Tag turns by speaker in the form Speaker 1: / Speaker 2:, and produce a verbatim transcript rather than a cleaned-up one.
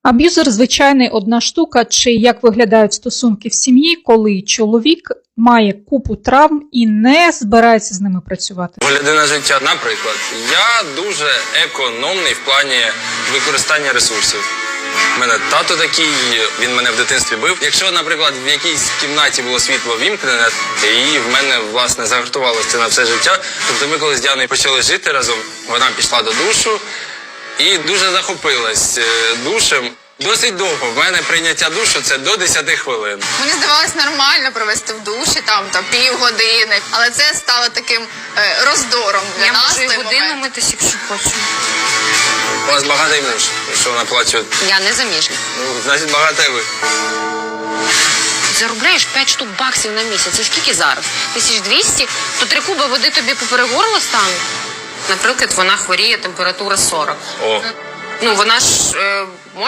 Speaker 1: Аб'юзер – звичайний одна штука, чи як виглядають стосунки в сім'ї, коли чоловік має купу травм і не збирається з ними працювати.
Speaker 2: Погляди на життя, наприклад, я дуже економний в плані використання ресурсів. У мене тато такий, він мене в дитинстві бив. Якщо, наприклад, в якійсь кімнаті було світло вімкнене, і в мене, власне, загартувалося на все життя. Тобто ми коли з Діаною почали жити разом, вона пішла до душу і дуже захопилась душем. Досить довго. В мене прийняття душу – це до десяти хвилин.
Speaker 3: Мені здавалось нормально провести в душі там, там півгодини, але це стало таким е, роздором для
Speaker 4: Я
Speaker 3: нас.
Speaker 4: можу і
Speaker 3: той
Speaker 4: годину
Speaker 3: момент.
Speaker 4: митись, якщо хочу.
Speaker 2: У вас багатий муж, що вона плаче.
Speaker 4: Я не заміжня.
Speaker 2: Ну, значить, багата ви.
Speaker 4: Заробляєш п'ять штук баксів на місяць. Це скільки зараз? Тисяч двісті? То три куби води тобі поперед горла стане? Наприклад, вона хворіє, температура сорок.
Speaker 2: О.
Speaker 4: Ну, вона ж... Е,